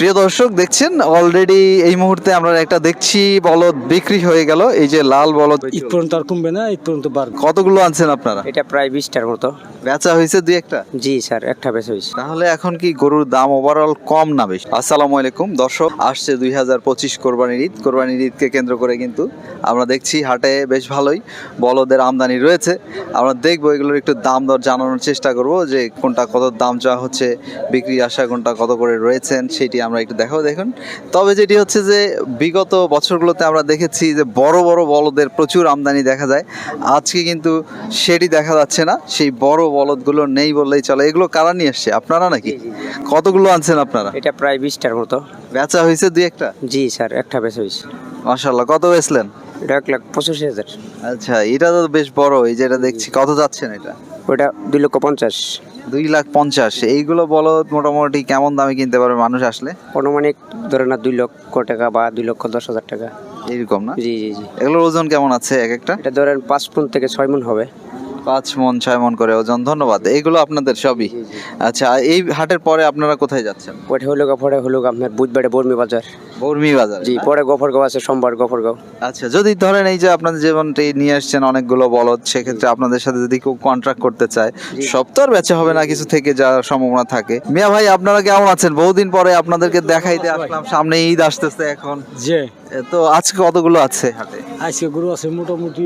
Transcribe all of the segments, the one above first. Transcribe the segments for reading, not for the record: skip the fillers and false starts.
প্রিয় দর্শক দেখছেন অলরেডি এই মুহূর্তে আমরা একটা দেখছি বলদ বিক্রি হয়ে গেল। এই যে লাল বলদ ঈদ পর্যন্ত আর কমবে না, ঈদ পর্যন্ত বাড়বে। কতগুলো আনছেন আপনারা? এটা প্রায় 20টার মতো। বেচা হয়েছে দুই একটা? জি স্যার, একটা বেচা হয়েছে। তাহলে এখন কি গরুর দাম ওভারঅল কম না বেশি? আসসালামু আলাইকুম দর্শক, আসছে 2025 কোরবানির ঈদ। কোরবানির ঈদকে কেন্দ্র করে কিন্তু আমরা দেখছি হাটে বেশ ভালোই বলদের আমদানি রয়েছে। আমরা দেখবো এগুলোর একটু দাম দর জানানোর চেষ্টা করব, যে কোনটা কত দাম চাওয়া হচ্ছে, বিক্রির আশা কোনটা কত করে রয়েছেন সেটি আমরা একটু দেখাবো। দেখুন, তবে যেটি হচ্ছে যে বিগত বছরগুলোতে আমরা দেখেছি যে বড় বড় বলদের প্রচুর আমদানি দেখা যায়। আজকে কিন্তু সেটি দেখা যাচ্ছে না, সেই বড় বলদগুলো নেই বললেই চলে। এগুলো কারা নিয়ে এসছে, আপনারা নাকি? কতগুলো আনছেন আপনারা? এটা প্রায় 20টার মতো। বেচা হয়েছে দুই একটা? জি স্যার, একটা বেচা হয়েছে। মাশাআল্লাহ। কত বেচলেন? এটা 1,85,000। আচ্ছা, এটা তো বেশ বড়। এই যে এটা দেখছি, কত যাচ্ছেন এটা? ওটা 2,50,000। 2,50,000। এইগুলো বলদ মোটামুটি কেমন দামে কিনতে পারবে মানুষ আসলে? অনুমানিক ধরে না 2 লক্ষ টাকা বা 2,10,000 টাকা এইরকম না? জি জি জি। এগুলোর ওজন কেমন আছে এক একটা? এটা ধরেন 5 মণ থেকে 6 মণ হবে। 5 মণ 6 মণ করে ওজন। ধন্যবাদ। এইগুলো আপনাদের সবই? আচ্ছা, এই হাটের পরে আপনারা কোথায় যাচ্ছেন? ওটা পরে হলো আপনার বুধবারে বর্মি বাজার। বর্মি বাজার? জি, পরে গফরগাঁও আছে, সোমবার গফরগাঁও। আচ্ছা, যদি ধরেন এই যে আপনাদের যেমনটি নিয়ে আসছেন অনেকগুলো বলদ, সেক্ষেত্রে আপনাদের সাথে যদি কেউ কন্ট্রাক্ট করতে চায়, সব তো আর বেচা হবে না, কিছু থেকে যাওয়ার সম্ভাবনা থাকে। মিয়া ভাই, আপনারা কেমন আছেন? বহুদিন পরে আপনাদেরকে দেখাইতে আসলাম, সামনে ঈদ আসতেছে এখন। যে তো আজকে কতগুলো আছে হাটে? আজকে গরু আছে মোটামুটি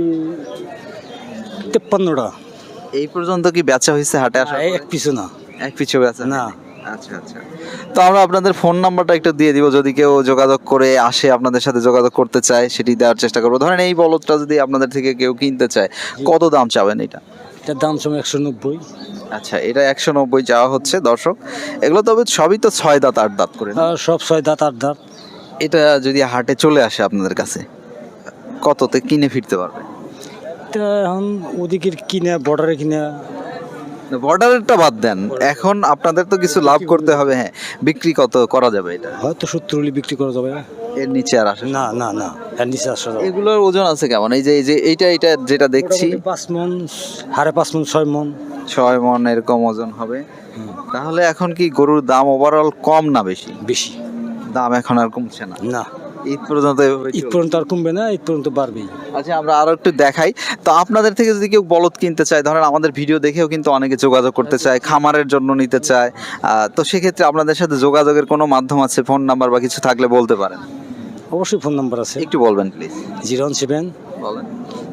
53টা। এই পর্যন্ত কি বেচা হয়েছে হাটে আসা? এক পিছু না। এক পিছু বেচা না। আচ্ছা আচ্ছা। তো আমরা আপনাদের ফোন নাম্বারটা একটু দিয়ে দিব, যদি কেউ যোগাযোগ করে আসে, আপনাদের সাথে যোগাযোগ করতে চায়, সেটি দেওয়ার চেষ্টা করবো। ধরেন এই বলদটা যদি আপনাদের থেকে কেউ কিনতে চায়, কত দাম চাবেন এটা? এটার দাম সময় 190। আচ্ছা, এটা 190 চাওয়া হচ্ছে দর্শক। এগুলো তবে সবই তো 6 দাঁত 8 দাঁত করে না? আর সব 6 দাঁত 8 দাঁত। এটা যদি হাটে চলে আসে আপনাদের কাছে, কততে কিনে ফিরতে পারবে? এটা এখন ওদিকের কিনা, বর্ডারে কিনা। বর্ডারেরটা বাদ দেন, এখন আপনাদের তো কিছু লাভ করতে হবে। হ্যাঁ, বিক্রি কত করা যাবে এটা? হয়তো 70 হলে বিক্রি করা যাবে। এর নিচে আর আসে না না না, এর নিচে আসা যাবে। এগুলোর ওজন আছে কেমন? এই যে এইটা যেটা দেখছি, 5 মণ, 5.5 মণ, 6 মণ। 6 মণ এরকম ওজন হবে। তাহলে এখন কি গরুর দাম ওভারঅল কম না বেশি? বেশি। দাম এখন আর কমছে না? না, ঈদ পর্যন্ত এভাবে ঈদ চলবে? পর্যন্ত আর কমবে না, ঈদ পর্যন্ত বাড়বেই। আচ্ছা, আমরা আরো একটু দেখাই। তো আপনাদের থেকে যদি কেউ বলদ কিনতে চায়, ধরেন আমাদের ভিডিও দেখেও কিন্তু অনেকে যোগাযোগ করতে চায়, খামারের জন্য নিতে চায়, তো সেক্ষেত্রে আপনাদের সাথে যোগাযোগের কোনো মাধ্যম আছে? ফোন নাম্বার বা কিছু থাকলে বলতে পারেন। অবশ্যই ফোন নাম্বার আছে। একটু বলবেন প্লিজ। 017 বলেন।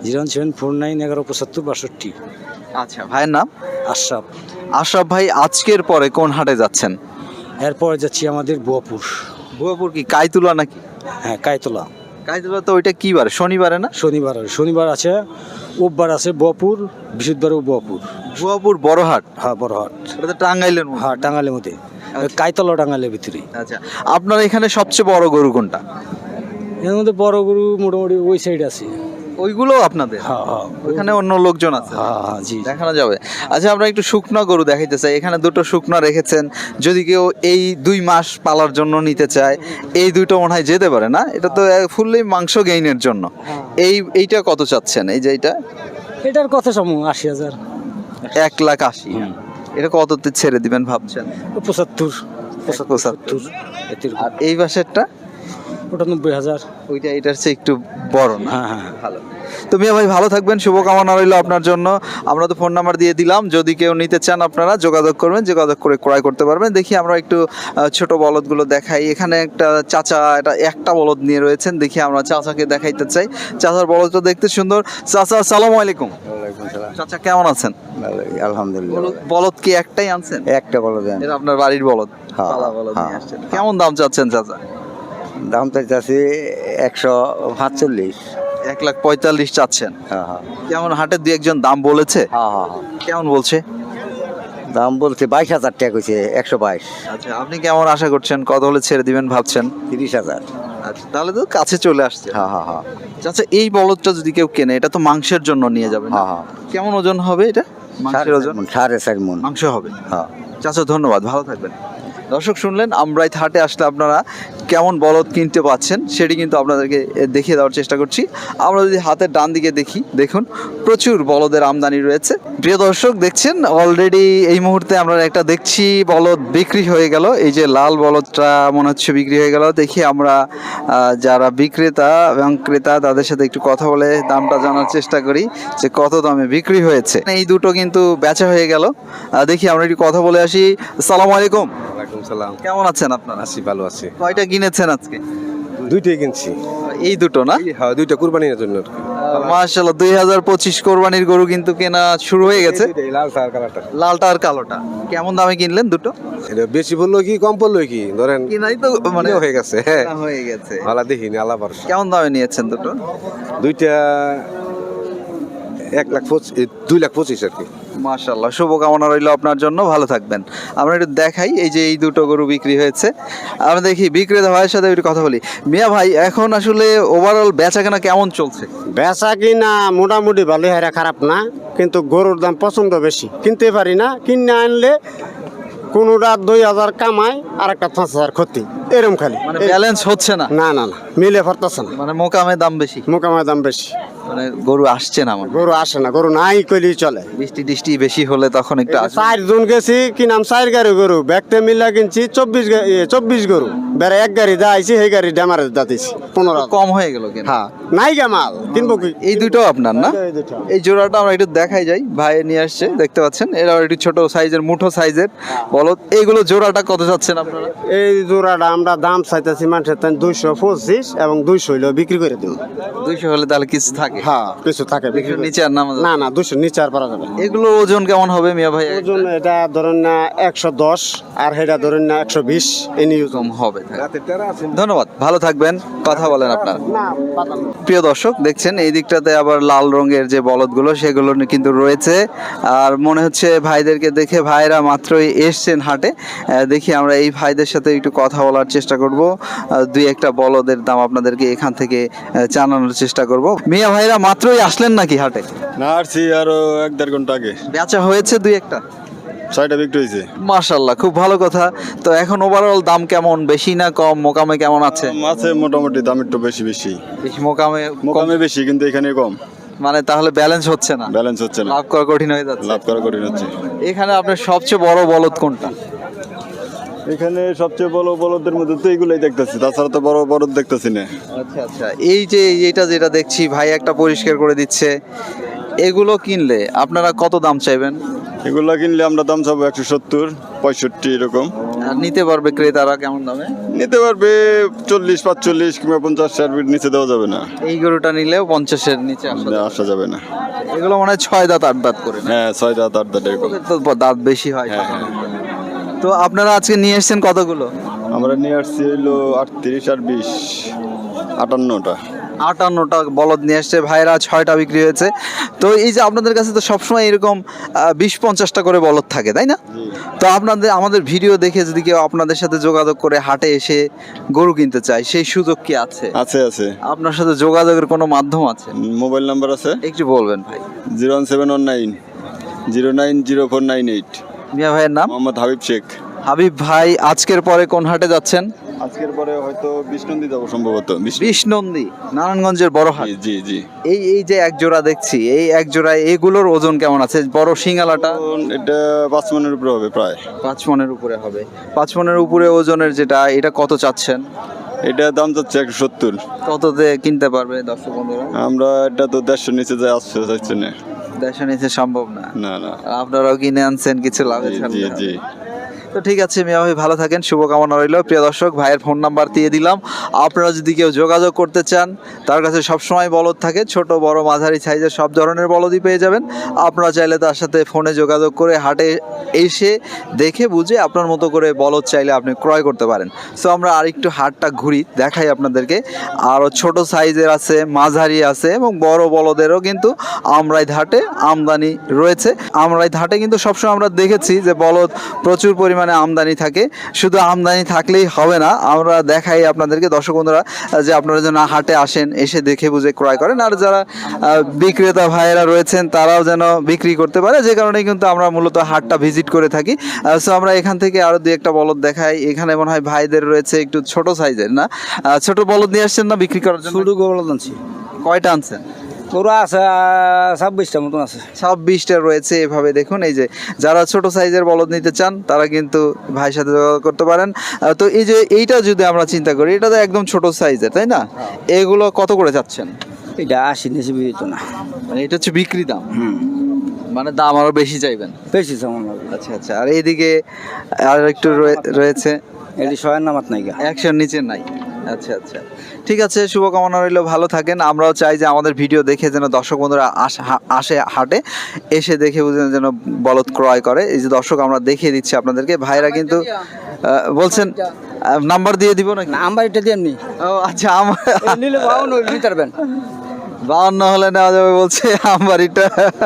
01749117562। আচ্ছা, ভাইয়ের নাম? আশরাফ। আশরাফ ভাই, আজকের পরে কোন হাটে যাচ্ছেন? এরপরে যাচ্ছি আমাদের বুয়াপুর। ভুয়াপুর কি কাইতুলা নাকি? হ্যাঁ, কায়তলা। কাইতুলা তো ওইটা কি বার? শনিবারে না? শনিবার আছে, রোববার আছে বুয়াপুর, বৃহস্পতিবারও বুয়াপুর। ভুয়াপুর বড় হাট? হ্যাঁ, বড় হাট। এটা তো টাঙ্গাইলের মধ্যে। হ্যাঁ, টাঙ্গালের মধ্যে। কায়তলা টাঙ্গালের ভিতরে। আচ্ছা, আপনার এখানে সবচেয়ে বড় গরু কোনটা? এর মধ্যে বড় গরু মোটামুটি ওই সাইড আছে। ওইগুলো আপনাদের? হ্যাঁ হ্যাঁ। ওইখানে অন্য লোকজন আছে? হ্যাঁ হ্যাঁ, জি। দেখানো যাবে? আচ্ছা, আমরা একটু শুকনো গরু দেখাইতে চাই। এখানে দুটো শুকনো রেখেছেন, যদি কেউ এই 2 মাস পালার জন্য নিতে চায়, এই দুটো মনে হয় যেতে পারে না? এটা তো ফুললি মাংস গেইনের জন্য। এইটা কত চাচ্ছেন? এই যে এটার কথা সমু 80,000। 1,80,000। এটা কততে ছেড়ে দিবেন ভাবছেন? 75। 75। এতির আর এই পাশেরটা? ওটা 90,000। ওইটা এটার চেয়ে একটু বড় না? হ্যাঁ হ্যাঁ। ভালো। তো মিয়া ভাই, ভালো থাকবেন, শুভকামনা রইল আপনার জন্য। আমরা তো ফোন নাম্বার দিয়ে দিলাম, যদি কেউ নিতে চান আপনারা যোগাযোগ করবেন, যোগাযোগ করে ক্রয় করতে পারবেন। দেখি আমরা একটু ছোট বলদগুলো দেখাই। এখানে একটা চাচা একটা বলদ নিয়ে রয়েছেন, দেখি আমরা চাচাকে দেখাইতে চাই। চাচার বলদটা দেখতে সুন্দর। চাচা, আসসালামু আলাইকুম। চাচা, কেমন আছেন? আলহামদুলিল্লাহ। বলদ কি একটাই আনছেন? একটা বলো দেন। এটা আপনার বাড়ির বলদ? হ্যাঁ, পালা বলদ নিয়ে হ্যাঁ। আসছেন। কেমন দাম চাচ্ছেন চাচা? দাম চাইতেছি 145। 1,45,000 চাচ্ছেন? হ্যাঁ হ্যাঁ কেমন হাটে 2-1 দাম বলেছে? হ্যাঁ হ্যাঁ। কেমন বলছে? দাম বলছে 22,000 টাকা কইছে। 122। আচ্ছা, আপনি কেমন আশা করছেন, কত হলে ছেড়ে দিবেন ভাবছেন? 30,000। আচ্ছা, তাহলে তো কাছে চলে আসছে। হ্যাঁ হ্যাঁ হ্যাঁ আচ্ছা, এই বলদটা যদি কেউ কেনে, এটা তো মাংসের জন্য নিয়ে যাবে না? হ্যাঁ হ্যাঁ। কেমন ওজন হবে এটা? মাংসের ওজন? 4.5 মণ। মাংস হবে। হ্যাঁ। চাচা, ধন্যবাদ, ভালো থাকবেন। দর্শক শুনলেন, আমরাইত হাটে আসলে আপনারা কেমন বলদ কিনতে পাচ্ছেন সেটি কিন্তু আপনাদেরকে দেখিয়ে দেওয়ার চেষ্টা করছি। আমরা যদি হাতের ডান দিকে দেখি, দেখুন প্রচুর বলদের আমদানি রয়েছে। প্রিয় দর্শক দেখছেন, অলরেডি এই মুহূর্তে আমরা একটা দেখছি বলদ বিক্রি হয়ে গেল। এই যে লাল বলদটা মনে হচ্ছে বিক্রি হয়ে গেল। দেখি আমরা যারা বিক্রেতা এবং ক্রেতা তাদের সাথে একটু কথা বলে দামটা জানার চেষ্টা করি যে কত দামে বিক্রি হয়েছে। এই দুটো কিন্তু বেচা হয়ে গেল। দেখি আমরা একটু কথা বলে আসি। আসসালামু আলাইকুম। ওয়ালাইকুম সালাম। কেমন আছেন আপনারা? আছি, ভালো আছি। কয়টা কিনেছেন আজকে? দুইটাই কিনছি। এই দুটো না? হ্যাঁ, দুইটা কুরবানির জন্য। মাশাআল্লাহ, 2025 কোরবানির গরু কিন্তু কেনা শুরু হয়ে গেছে। লাল সার কালারটা। লালটা আর কালোটা কেমন দামে কিনলেন দুটো? এটা বেশি পড়লো কি কম পড়লো কি ধরেন কিনাই তো মানে কিনা হয়ে গেছে। হ্যাঁ, কেনা হয়ে গেছে। ভালো দেখিনি আল্লাহ ভরসা। কেমন দামে নিয়েছেন দুটো? দুইটা 2,25,000 আর কি। মাশাআল্লাহ, শুভকামনা রইল আপনার জন্য, ভালো থাকবেন। আমরা একটু দেখাই, এই যে এই দুটো গরু বিক্রি হয়েছে। আমরা দেখি বিক্রেতা ভাইয়ের সাথে একটু কথা বলি। মিয়া ভাই, এখন আসলে ওভারঅল বেচাকেনা কেমন চলছে? বেচা কিনা মোটামুটি ভালো হয়, খারাপ না, কিন্তু গরুর দাম পছন্দ বেশি, কিনতে পারি না। কিনে আনলে কোনোটা 2,000 কামাই আর একটা 5,000 ক্ষতি, এরম খালি। মানে ব্যালেন্স হচ্ছে না, না না না, মিলে পারতেছে না, মানে মোকামে দাম বেশি, মোকামের দাম বেশি, মানে গরু আসছে না। মানে গরু আসে না, গরু নাই কইলেই চলে। বৃষ্টি টিষ্টি বেশি হলে তখন একটু আসবে। 4 জন গেছি, কিনাম 4 গাড়ি গরু, ব্যাগতে মিলা কিনছি 24 গরু, বেড়া 1 গাড়ি যা আইছি সেই গাড়ি ডেমারে দাতিছি 15। কম হয়ে গেল কেন? হ্যাঁ, নাই গে মাল, কিনবো কি? এই দুটো আপনার না? এই দুটো। এই জোড়াটা আমরা একটু দেখাই যাই, ভাই নিয়ে আসছে, দেখতে পাচ্ছেন। এরা একটু ছোট সাইজের, মুঠো সাইজের বলদ। এইগুলো জোড়াটা কত যাচ্ছেন আপনারা? এই জোড়াটা আমরা দাম চাইতেছি মানুষের 225 এবং 200 হইলেও বিক্রি করে দিব। 200 হলে তাহলে কিছু থাকে? হ্যাঁ, কিছু থাকে, বিক্রি 200 করে। নিচে আর নামা যাবে না না, 200 নিচে আর পারা যাবে না। এগুলো ওজন কেমন হবে মিয়া ভাই? ওজন এটা ধরেন না 110 আর সেটা ধরেন না 120 এনি ওজন। কম হবে। ধন্যবাদ, ভালো থাকবেন, কথা বলেন আপনারা। না পাতা না। প্রিয় দর্শক দেখছেন, এই দিকটাতে আবার লাল রঙের যে বলদগুলো সেগুলো কিন্তু রয়েছে। আর মনে হচ্ছে ভাইদেরকে দেখে ভাইরা মাত্রই এসছেন হাটে। দেখি আমরা এই ভাইদের সাথে একটু কথা বলার চেষ্টা করব। দুই একটা বলদের দাম আপনাদেরকে এখান থেকে জানানোর চেষ্টা করব। মিয়া ভাইরা মাত্রই আসলেন নাকি হাটে? না, আসছি আরো 1-1.5 ঘন্টা আগে। বেচা হয়েছে দুই একটা? 6টা বিক্রি হয়েছে। মাশাআল্লাহ, খুব ভালো কথা। তো এখন ওভারঅল দাম কেমন, বেশি না কম? মোকামে কেমন আছে? আছে মোটামুটি, দাম একটু বেশি বেশি। বেশি মোকামে মোকামে বেশি, কিন্তু এখানে কম। মানে তাহলে ব্যালেন্স হচ্ছে না, ব্যালেন্স হচ্ছে না, লাভ করা কঠিন হয়ে যাচ্ছে। লাভ করা কঠিন হচ্ছে। এখানে আপনার সবচেয়ে বড় বলদ কোনটা? এখানে সবচেয়ে বড় বলদের মধ্যে তো এইগুলাই দেখতেছি, তাছাড়া তো বড় বলদ দেখতেছি না। আচ্ছা আচ্ছা, এই যে এইটা যেটা দেখছি ভাই একটা পরিষ্কার করে দিচ্ছে, এগুলো কিনলে আপনারা কত দাম চাইবেন? এগুলা কিনলে আমরা দাম চাবো 170-65 এরকম। আর নিতে পারবে ক্রেতারা কেমন দামে? নিতে পারবে 40-45 কিংবা 50-60 নিচে দেওয়া যাবে না, এই গরুটা নিলেও 50-এর নিচে আসা যাবে না। এগুলো মানে 6 দাঁত 8 দাঁত করে না? হ্যাঁ, 6 দাঁত 8 দাঁত এরকম। ওদের তো দাঁত বেশি হয়। হ্যাঁ, হ্যাঁ। তো আপনারা আজকে নিয়ে এসেছেন কতগুলো? আমরা নিয়ে আসছি হইলো 38 আর 20, 58টা। 58টা বলদ নিয়ে এসছে ভাইরা, 6টা বিক্রি হয়েছে। তো এই যে আপনাদের কাছে তো সবসময় এরকম 20-50টা করে বলদ থাকে, তাই না? তো আমাদের ভিডিও দেখে যদি কেউ আপনাদের সাথে যোগাযোগ করে হাটে এসে গরু কিনতে চায়, সেই সুযোগ কি আছে? আছে আছে, আপনার সাথে যোগাযোগের কোনো মাধ্যম আছে? মোবাইল নাম্বার আছে একটু বলবেন ভাই। 01719 090498। মিয়া ভাইয়ের নাম? মোহাম্মদ হাবিব শেখ। হাবিব ভাই, আজকের পরে কোন হাটে যাচ্ছেন? আজকের পরে হয়তো বিষ্ণুন্দি যাবো সম্ভবত। বিষ্ণুন্দি, নারায়ণগঞ্জের বড় হাট। জি জি জি। এই যে এক জোড়া দেখছি, এই এক জোড়ায় এগুলোর ওজন কেমন আছে? বড় সিঙ্গালাটা এটা 5 মনের উপরে হবে প্রায়। 5 মনের উপরে হবে। 5 মনের উপরে ওজনের যেটা, এটা কত চাচ্ছেন? এটা দাম যাচ্ছে 170। কততে কিনতে পারবে দর্শক বন্ধুরা? আমরা এটা তো 150 নিচে যায়, আসছে যাচ্ছে না। দেশে নিতে সম্ভব না। না না। আপনারাও কিনে আনছেন, কিছু লাভে জি ছাড়তে জি হবে। জি। তো ঠিক আছে মিয়া ভাই, ভালো থাকেন, শুভকামনা রইল। প্রিয় দর্শক, ভাইয়ের ফোন নাম্বার দিয়ে দিলাম। আপনারা যদি কেউ যোগাযোগ করতে চান, তার কাছে সবসময় বলদ থাকে, ছোট বড় মাঝারি সাইজের সব ধরনের বলদই পেয়ে যাবেন। আপনারা চাইলে তার সাথে ফোনে যোগাযোগ করে হাটে এসে দেখে বুঝে আপনার মতো করে বলদ চাইলে আপনি ক্রয় করতে পারেন। সো আমরা আরেকটু হাটটা ঘুরি, দেখাই আপনাদেরকে। আরও ছোট সাইজের আছে, মাঝারি আছে এবং বড় বলদেরও কিন্তু আমরাইত হাটে আমদানি রয়েছে। আমরাইত হাটে কিন্তু সবসময় আমরা দেখেছি যে বলদ প্রচুর পরিমাণে পরিমাণে আমদানি থাকে। শুধু আমদানি থাকলেই হবে না, আমরা দেখাই আপনাদেরকে দর্শক বন্ধুরা যে আপনারা যেন হাটে আসেন, এসে দেখে বুঝে ক্রয় করেন। আর যারা বিক্রেতা ভাইয়েরা রয়েছেন তারাও যেন বিক্রি করতে পারে, যে কারণে কিন্তু আমরা মূলত হাটটা ভিজিট করে থাকি। সো আমরা এখান থেকে আরো দুই একটা বলদ দেখাই। এখানে মনে হয় ভাইদের রয়েছে একটু ছোট সাইজের, না ছোট বলদ নিয়ে আসছেন না বিক্রি করার জন্য? শুরু গোবল আনছি কয়টা আনছেন? ওরা আছে 26টা মতন আছে। 26টা রয়েছে। এভাবে দেখুন, এই যে যারা ছোট সাইজের বলদ নিতে চান তারা কিন্তু ভাইয়ের সাথে যোগাযোগ করতে পারেন। তো এই যে এইটা যদি আমরা চিন্তা করি, এটা তো একদম ছোট সাইজের, তাই না? এগুলো কত করে যাচ্ছেন? এটা 80 নিচে বিদিত না, মানে এটা হচ্ছে বিক্রি দাম, মানে দাম আরো বেশি চাইবেন? বেশি যেমন লাগে। আচ্ছা আচ্ছা। আর এইদিকে আর একটু রয়েছে, এটি শয়ের নামাত নাই গা। 100 নিচে নাই। আচ্ছা আচ্ছা, ঠিক আছে, শুভকামনা রইল, ভালো থাকেন। আমরাও চাই যে আমাদের ভিডিও দেখে যেন দর্শক বন্ধুরা আসে হাটে, এসে দেখে বুঝে যেন বলদ ক্রয় করে। এই যে দর্শক আমরা দেখিয়ে দিচ্ছি আপনাদেরকে, ভাইরা কিন্তু বলছেন নাম্বার দিয়ে দিব নাকি? নাম্বার এটা দিয়ে নি। ও আচ্ছা, আমার নিলে 52 নিতে পারবেন। 52 হলে নেওয়া যাবে বলছে। আমবাড়িটা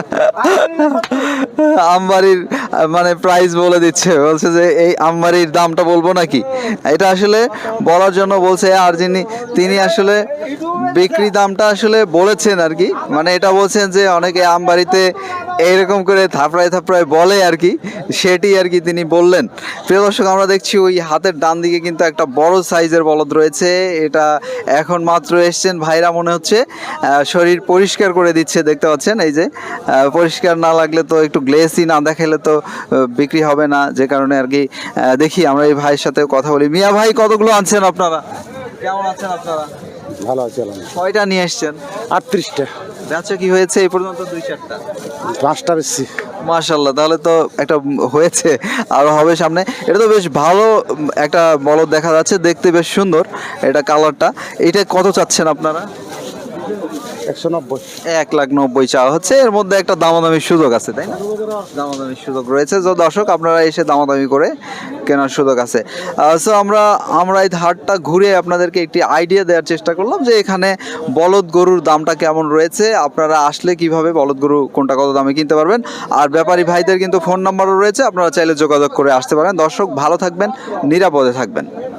আমবাড়ির মানে প্রাইস বলে দিচ্ছে, বলছে যে এই আমবাড়ির দামটা বলবো নাকি, এটা আসলে বলার জন্য বলছে। আর তিনি আসলে বিক্রি দামটা আসলে বলেছেন আর কি, মানে এটা বলছেন যে অনেকে আমবাড়িতে এইরকম করে থাপড়ায় বলে আর কি, সেটি আর কি তিনি বললেন। প্রিয় দর্শক, আমরা দেখছি ওই হাতের ডান দিকে কিন্তু একটা বড় সাইজের বলদ রয়েছে। এটা এখন মাত্র এসছেন ভাইরা, মনে হচ্ছে শরীর পরিষ্কার করে দিচ্ছে, দেখতে পাচ্ছেন। এই যে পরিষ্কার না লাগলে তো, একটু গ্লেসি না দেখাইলে তো বিক্রি হবে না, যে কারণে আর কি। দেখি আমরা এই ভাইয়ের সাথে কথা বলি। মিয়া ভাই, কতগুলো আনছেন আপনারা? কেমন আছেন আপনারা? ভালো আছে। কয়টা নিয়ে এসছেন? 38টা, বেচা কি হয়েছে এই পর্যন্ত? 2-4টা। 5টা বেশি। মাশাআল্লাহ, তাহলে তো একটা হয়েছে, আরো হবে সামনে। এটা তো বেশ ভালো একটা বলদ দেখা যাচ্ছে, দেখতে বেশ সুন্দর এটা কালারটা। এটা কত চাচ্ছেন আপনারা? 190। 1,90,000 চাওয়া হচ্ছে। এর মধ্যে একটা দামাদামির সুযোগ আছে, তাই না? দামাদামির সুযোগ রয়েছে, যে দর্শক আপনারা এসে দামাদামি করে কেনার সুযোগ আছে। সো আমরা এই হাটটা ঘুরে আপনাদেরকে একটি আইডিয়া দেওয়ার চেষ্টা করলাম যে এখানে বলদ গরুর দামটা কেমন রয়েছে, আপনারা আসলে কিভাবে বলদ গরু কোনটা কত দামে কিনতে পারবেন। আর ব্যাপারী ভাইদের কিন্তু ফোন নাম্বারও রয়েছে, আপনারা চাইলে যোগাযোগ করে আসতে পারেন। দর্শক ভালো থাকবেন, নিরাপদে থাকবেন।